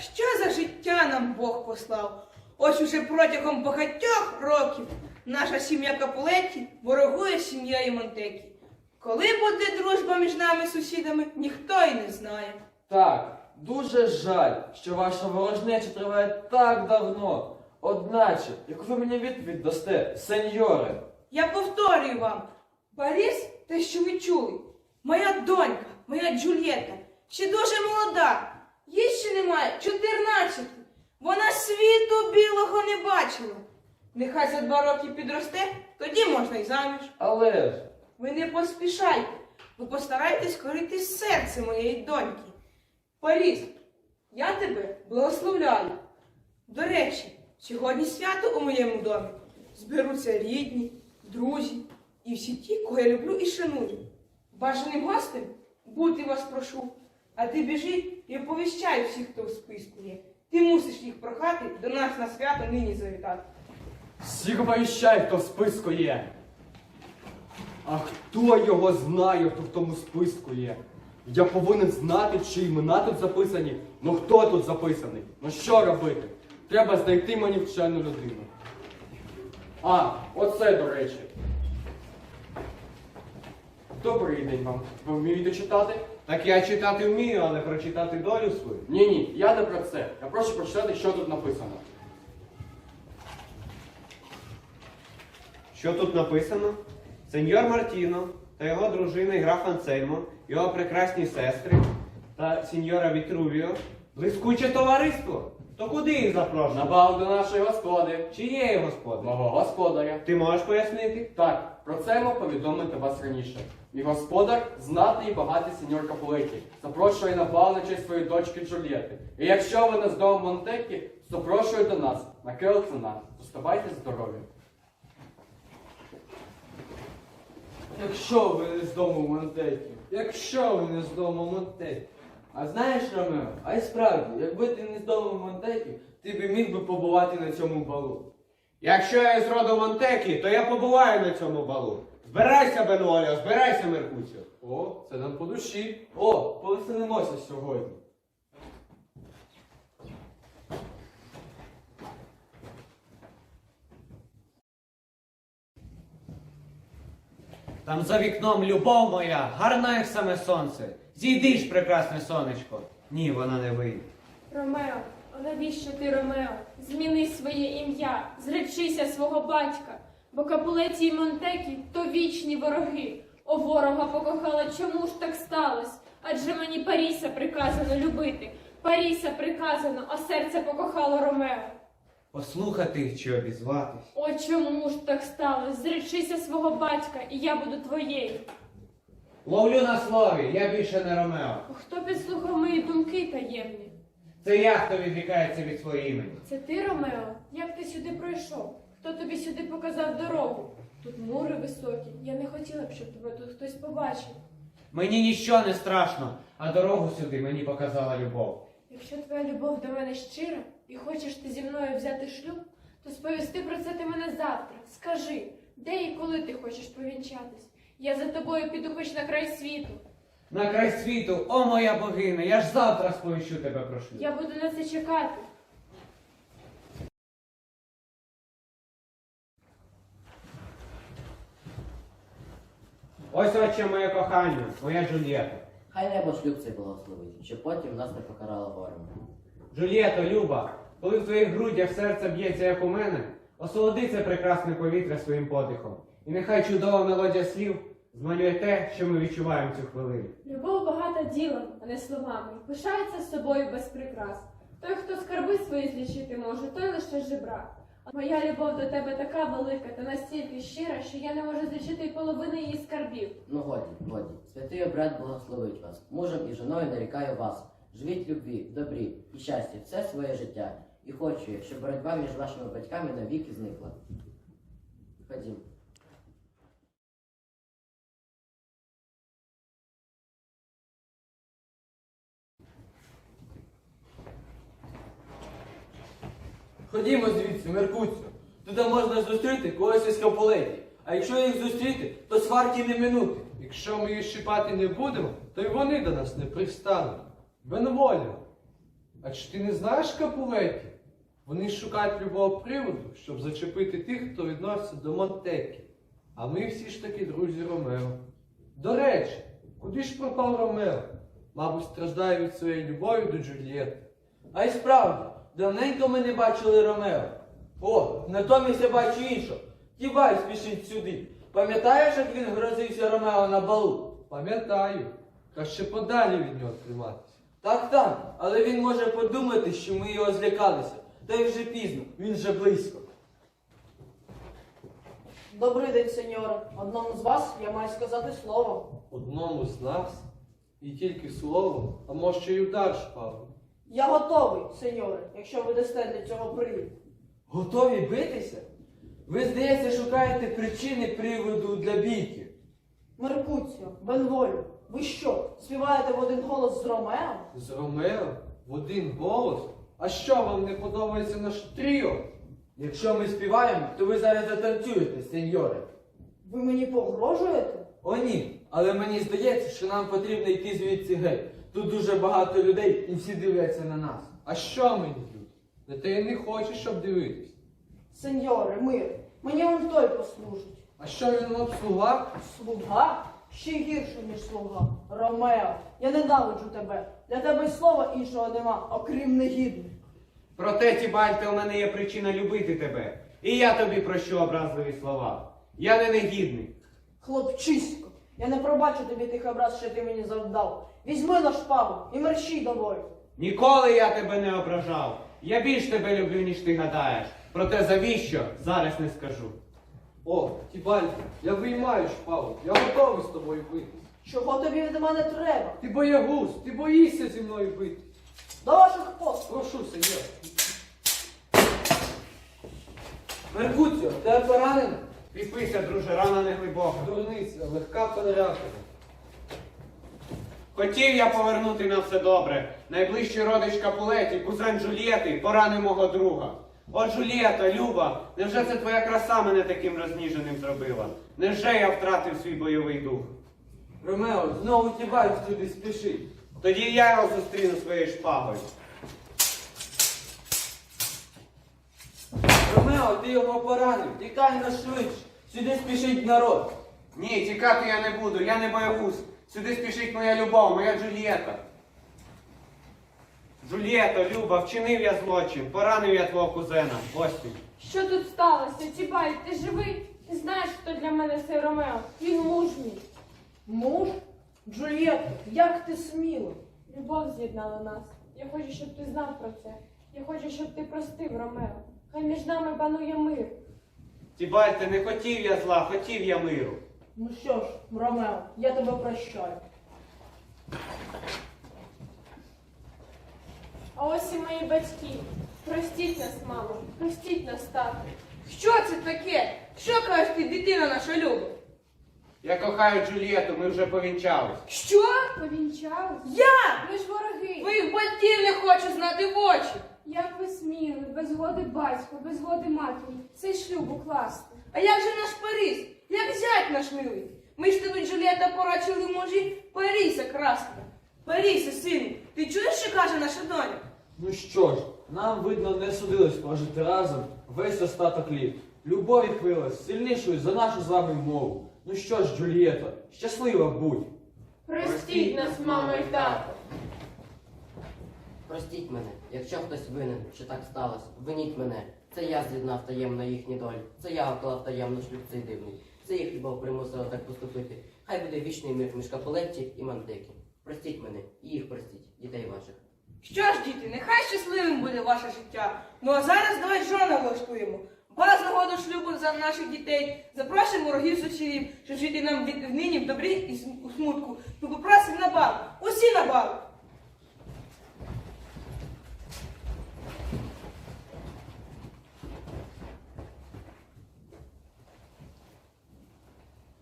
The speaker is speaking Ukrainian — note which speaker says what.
Speaker 1: що за життя нам Бог послав? Ось уже протягом багатьох років наша сім'я Капулетті ворогує з сім'єю Монтекі. Коли буде дружба між нами сусідами, ніхто й не знає.
Speaker 2: Так, дуже жаль, що ваша ворожнеча триває так давно. Одначе, як ви мені відповідь дасте, сеньоре?
Speaker 1: Я повторюю вам, Паріс, те, що ви чули, моя донька, моя Джульєта, ще дуже молода, їй ще немає 14. Вона світу білого не бачила. Нехай за 2 роки підросте, тоді можна й заміж.
Speaker 2: Але ж...
Speaker 1: Ви не поспішайте, ви постарайтесь корити серце моєї доньки. Паріс, я тебе благословляю. До речі, сьогодні свято у моєму домі. Зберуться рідні, друзі і всі ті, кого я люблю і шаную. Бажаним гостем бути вас прошу, а ти біжи і оповіщай всіх, хто в списку є. Ти мусиш їх прохати до нас на свято нині завітати.
Speaker 3: Всіх оповіщай, хто в списку є. А хто його знає, хто в тому списку є? Я повинен знати, чи імена тут записані. Ну хто тут записаний? Ну що робити? Треба знайти мені вчену людину. А, оце, до речі. Добрий день вам. Ви вмієте читати?
Speaker 4: Так я читати вмію, але прочитати долю свою.
Speaker 3: Ні, я не про це. Я прошу прочитати, що тут написано.
Speaker 4: Що тут написано? Сеньор Мартіно та його дружина і граф Ансельмо, його прекрасні сестри та сеньора Вітрувіо блискуче товариство. То куди їх
Speaker 3: На
Speaker 4: запрошено?
Speaker 3: бал до нашої господи.
Speaker 4: Чиєї господи?
Speaker 3: Мого господаря.
Speaker 4: Ти можеш пояснити?
Speaker 3: Так, про це ми повідомити вас раніше. Мій господар знатний і багатий сеньор Капулетті. Запрошує на бал на честь своєї дочки Джульєти. І якщо ви не з дому Монтекі, запрошує до нас на Келцена. Зоставайте здорові.
Speaker 2: Якщо ви не з дому Монтекі, якщо ви не з дому Монтекі. А знаєш, Ромео, а й справді, якби ти не з дому Монтекі, ти б міг би побувати на цьому балу.
Speaker 4: Якщо я з роду Монтекі, то я побуваю на цьому балу. Збирайся, Бенуоліо, збирайся, Меркуціо.
Speaker 2: О, це нам по душі. О, повеселимося сьогодні.
Speaker 5: Там за вікном любов моя, гарна, як саме сонце. Зійди ж, прекрасне сонечко. Ні, вона не вийде.
Speaker 6: Ромео, навіщо ти, Ромео? Зміни своє ім'я, зречися свого батька, бо Капулетті й Монтекі то вічні вороги. О, ворога покохала, чому ж так сталося? Адже мені Паріса приказано любити. Паріса приказано, а серце покохало Ромео.
Speaker 5: Послухати чи обізватись.
Speaker 6: О, чому ж так сталося? Зречися свого батька, і я буду твоєю.
Speaker 5: Ловлю на слові, я більше не Ромео.
Speaker 6: Хто підслухав мої думки таємні?
Speaker 5: Це я, хто відрікається від свого імені.
Speaker 6: Це ти, Ромео? Як ти сюди пройшов? Хто тобі сюди показав дорогу? Тут мури високі. Я не хотіла б, щоб тебе тут хтось побачив.
Speaker 5: Мені ніщо не страшно, а дорогу сюди мені показала любов.
Speaker 6: Якщо твоя любов до мене щира і хочеш ти зі мною взяти шлюб, то сповісти про це ти мене завтра. Скажи, де і коли ти хочеш повінчатись? Я за тобою піду хоч на край світу.
Speaker 5: На край світу, о моя богиня, я ж завтра сповіщу тебе про шлюб.
Speaker 6: Я буду на це чекати.
Speaker 4: Ось отче моє кохання, моя Джульєта.
Speaker 7: Хай небо шлюб цей благословить, щоб потім нас не покарало горем.
Speaker 4: Джульєто, Люба, коли в твоїх грудях серце б'ється, як у мене, осолоди це прекрасне повітря своїм подихом. І нехай чудова мелодія слів змалює те, що ми відчуваємо цю хвилину.
Speaker 6: Любов багата ділом, а не словами. Пишається з собою без прикрас. Той, хто скарби свої злічити може, той лише жебрак. Моя любов до тебе така велика та настільки щира, що я не можу злічити й половини її скарбів.
Speaker 7: Ну годі, годі. Святий обряд благословить вас. Мужем і жіною нарікаю вас. Живіть в любві, в добрі і щасті все своє життя. І хочу я, щоб боротьба між вашими батьками навіки зникла. Ходім.
Speaker 2: Ходімо звідси, Меркуцію. Туди можна зустріти когось із Капулетті. А якщо їх зустріти, то сварки не минути.
Speaker 8: Якщо ми їх щипати не будемо, то й вони до нас не пристануть. Бенволіо, А чи ти не знаєш Капулетів? Вони шукають любого приводу, щоб зачепити тих, хто відноситься до Монтекі. А ми всі ж таки друзі Ромео. До речі, куди ж пропав Ромео? Мабуть, страждає від своєї любові до Джульєтти.
Speaker 2: А й справді, давненько ми не бачили Ромео. О, натомість я бачу іншого. Тібай спішить сюди. Пам'ятаєш, як він грозився Ромео на балу?
Speaker 8: Пам'ятаю, краще подалі від нього триматися.
Speaker 2: Так, але він може подумати, що ми його злякалися. Та й вже пізно, він вже близько.
Speaker 9: Добрий день, сеньоре. Одному з вас я маю сказати слово.
Speaker 8: Одному з нас і тільки слово, а може й удар шпагою.
Speaker 9: Я готовий, сеньоре, якщо ви дасте для цього привід.
Speaker 2: Готові битися? Ви, здається, шукаєте причини приводу для бійки.
Speaker 9: Меркуціо, Бенволю, ви що, співаєте в один голос з Ромео?
Speaker 8: З Ромео? В один голос? А що, вам не подобається наш тріо?
Speaker 2: Якщо ми співаємо, то ви зараз затанцюєте, сеньоре.
Speaker 9: Ви мені погрожуєте?
Speaker 2: О ні, але мені здається, що нам потрібно йти звідси геть. Тут дуже багато людей і всі дивляться на нас.
Speaker 8: А що мені тут? Не ти не хочеш, щоб дивитись.
Speaker 9: Сеньоре, мир, мені он той послужить.
Speaker 8: А що він вам слуга?
Speaker 9: Слуга? Ще гірше, ніж слуга. Ромео, я ненавиджу тебе. Для тебе й слова іншого нема, окрім негідних.
Speaker 4: Проте, Тібальте, у мене є причина любити тебе. І я тобі прощу образливі слова. Я не негідний.
Speaker 9: Хлопчисько, я не пробачу тобі тих образ, що ти мені завдав. Візьми на шпагу і мерщій до бою.
Speaker 4: Ніколи я тебе не ображав. Я більш тебе люблю, ніж ти гадаєш. Проте завіщо, зараз не скажу.
Speaker 8: О, Тібальді, я виймаю шпагу, я готовий з тобою битись.
Speaker 9: Чого тобі від мене треба?
Speaker 8: Ти боягуз, ти боїшся зі мною битись.
Speaker 9: До ваших послуг.
Speaker 8: Прошу, сеньор.
Speaker 2: Меркуціо, тебе поранено?
Speaker 4: Кріпися, друже, рана не глибока.
Speaker 8: Дурниця, легка переряка.
Speaker 4: Хотів я повернути на все добре. Найближчий родич Капулеті, кузен Джульєти, поранив мого друга. О, Джульєта, Люба, невже це твоя краса мене таким розніженим зробила? Невже я втратив свій бойовий дух?
Speaker 2: Ромео, знову Тібай сюди спішить.
Speaker 4: Тоді я його зустріну своєю шпагою.
Speaker 2: Ромео, ти його поранив, тікай на швидше. Сюди спішить народ.
Speaker 4: Ні, тікати я не буду, я не боягуз. Сюди спішить моя любов, моя Джульєта. Джульєто, Люба, вчинив я злочин, поранив я твого кузена. Ось ти.
Speaker 6: Що тут сталося? Тібай, ти живий? Ти знаєш, хто для мене цей Ромео? Він муж мій.
Speaker 9: Муж? Джульєтто, як ти сміла?
Speaker 6: Любов з'єднала нас. Я хочу, щоб ти знав про це. Я хочу, щоб ти простив Ромео. Хай між нами панує мир.
Speaker 4: Тібальте, не хотів я зла, хотів я миру.
Speaker 9: Ну що ж, Ромео, я тебе прощаю.
Speaker 6: А ось і мої батьки. Простіть нас, мамо. Простіть нас, тато.
Speaker 1: Що це таке? Що кажеш ти, дитина наша Люба?
Speaker 4: Я кохаю Джульєту, ми вже повінчались.
Speaker 1: Що?
Speaker 6: Повінчались?
Speaker 1: Я?
Speaker 6: Ви ж вороги.
Speaker 1: Твоїх батьків не хочу знати в очі.
Speaker 6: Як ви сміли, без згоди батька, без згоди матері, цей шлюб укласти?
Speaker 1: А як же наш Паріс? Як зять наш милий? Ми ж тобі, Джульєта, порачили мужі Паріса красного. Парісе, сину, ти чуєш, що каже наша доня?
Speaker 2: Ну що ж, нам, видно, не судилось прожити разом весь остаток літ. Любов відкрилась сильнішою за нашу з вами мову. Ну що ж, Джульєто, щаслива будь.
Speaker 6: Простіть нас, мамо і тато.
Speaker 7: Простіть мене, якщо хтось винен, що так сталося, виніть мене. Це я з'єднав таємно їхні долі. Це я вклав таємно шлюб цей дивний. Це їх любов примусила так поступити. Хай буде вічний мир між Капулетті і Монтекі. Простіть мене, і їх простіть, дітей ваших.
Speaker 1: Що ж, діти, нехай щасливим буде ваше життя. Ну а зараз давай жона влаштуємо. Вас нагоду шлюбу за наших дітей. Запрошуємо ворогів сусідів, щоб жити нам нині в добрі і у смутку. Ми попросимо на бал. Усі на бал.